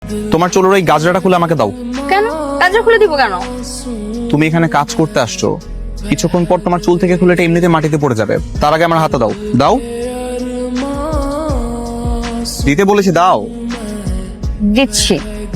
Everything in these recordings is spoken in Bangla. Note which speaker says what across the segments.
Speaker 1: তোমার চুলের ওই গাজরাটা খুলে আমাকে দাও।
Speaker 2: কেন গাজর খুলে দিব কেন?
Speaker 1: তুমি এখানে কাজ করতে আসছো, কিছুক্ষণ পর তোমার চুল থেকে খুলে এটা এমনিতে মাটিতে পড়ে যাবে, তার আগে আমার হাতে দাও। দাও, দিতে বলেছি, দাও।
Speaker 2: দিচ্ছি।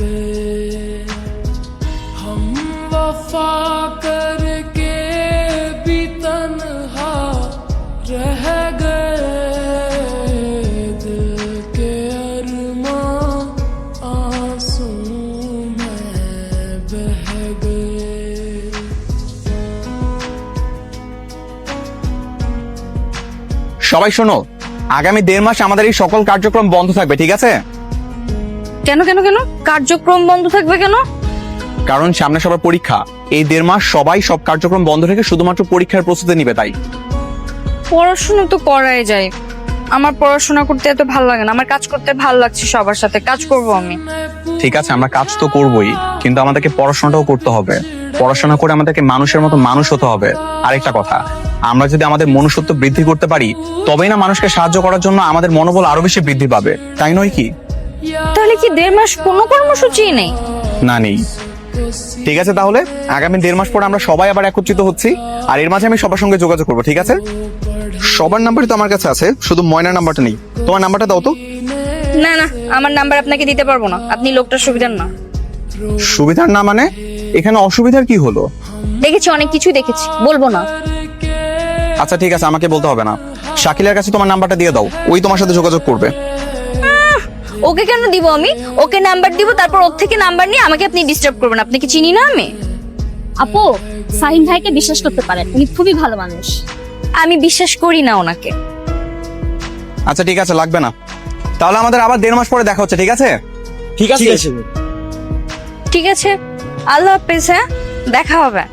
Speaker 1: সবাই শোনো, আগামী 1.5 মাস আমাদের এই সকল কার্যক্রম বন্ধ থাকবে, ঠিক আছে?
Speaker 2: কেন কেন কেন কার্যক্রম বন্ধ থাকবে কেন?
Speaker 1: কারণ সামনে সবার পরীক্ষা। এই 1.5 মাস সবাই সব কার্যক্রম বন্ধ রেখে শুধুমাত্র পরীক্ষার প্রস্তুতি নিবে, তাই।
Speaker 2: পড়াশোনা তো করাই যায়, আমার পড়াশোনা করতে এত ভালো লাগে না, আমার কাজ করতে ভালো লাগছে, সবার সাথে কাজ করব আমি।
Speaker 1: ঠিক আছে, আমরা কাজ তো করবোই, কিন্তু আমাদেরকে পড়াশোনাটাও করতে হবে। পড়াশোনা করে আমাদেরকে মানুষের মতো মানুষ হতে হবে। আরেকটা কথা, আমরা যদি আমাদের মনুষ্যত্ব বৃদ্ধি করতে পারি, তবেই না মানুষকে সাহায্য করার জন্য আমাদের মনোবল আরো বেশি বৃদ্ধি পাবে, তাই নয় কি?
Speaker 2: তাহলে কি 1.5 মাস কোনো কর্মসূচি নেই?
Speaker 1: না, নেই। ঠিক আছে, তাহলে আগামী 1.5 মাস পরে আমরা সবাই আবার একত্রিত হচ্ছি, আর এর মাঝে আমি সবার সঙ্গে যোগাযোগ করবো, ঠিক আছে? সবার নাম্বারই তো আমার কাছে আছে, শুধু ময়নার নাম্বারটা নেই। তোমার নাম্বারটা দাও তো।
Speaker 2: না না, আমার নাম্বার আপনাকে দিতে পারবো না, আপনি লোকটার সুবিধার না।
Speaker 1: সুবিধার না মানে? এখানে অসুবিধার কি হলো?
Speaker 2: দেখেছি, অনেক কিছুই দেখেছি, বলবো না।
Speaker 1: আচ্ছা ঠিক আছে, আমাকে বলতে হবে না। শাকিলের কাছে তোমার নাম্বারটা দিয়ে দাও, ওই তোমার সাথে যোগাযোগ করবে।
Speaker 2: ওকে কেন দিব আমি? ওকে নাম্বার দিব, তারপর ওর থেকে নাম্বার নিয়ে আমাকে আপনি ডিস্টার্ব করবেন। আপনি কি চিনি না আমি?
Speaker 3: আপু, ফাহিম ভাইকে বিশ্বাস করতে পারেন, উনি খুবই ভালো মানুষ।
Speaker 2: আমি বিশ্বাস করি না ওনাকে।
Speaker 1: আচ্ছা ঠিক আছে, লাগবে না। তাহলে আমাদের আবার 1.5 মাস পরে দেখা হচ্ছে, ঠিক আছে?
Speaker 4: ঠিক আছে।
Speaker 2: ঠিক আছে, আল্লাহ হাফেজ। হ্যাঁ, দেখা হবে।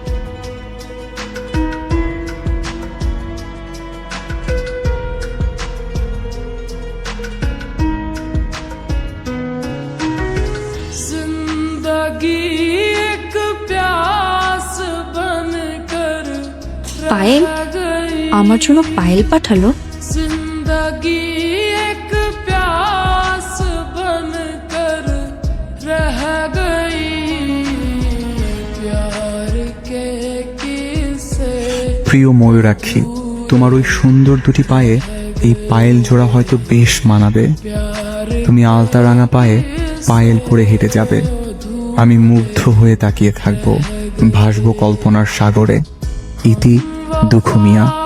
Speaker 3: পায়েল আমার জন্য পায়েল পাঠালো।
Speaker 5: প্রিয় ময়ূরাক্ষী, তোমার ওই সুন্দর দুটি পায়ে এই পায়েল জোড়া হয়তো বেশ মানাবে। তুমি আলতা রাঙা পায়ে পায়েল পরে হেঁটে যাবে, আমি মুগ্ধ হয়ে তাকিয়ে থাকবো, ভাসবো কল্পনার সাগরে। ইতি দুখুমিয়া।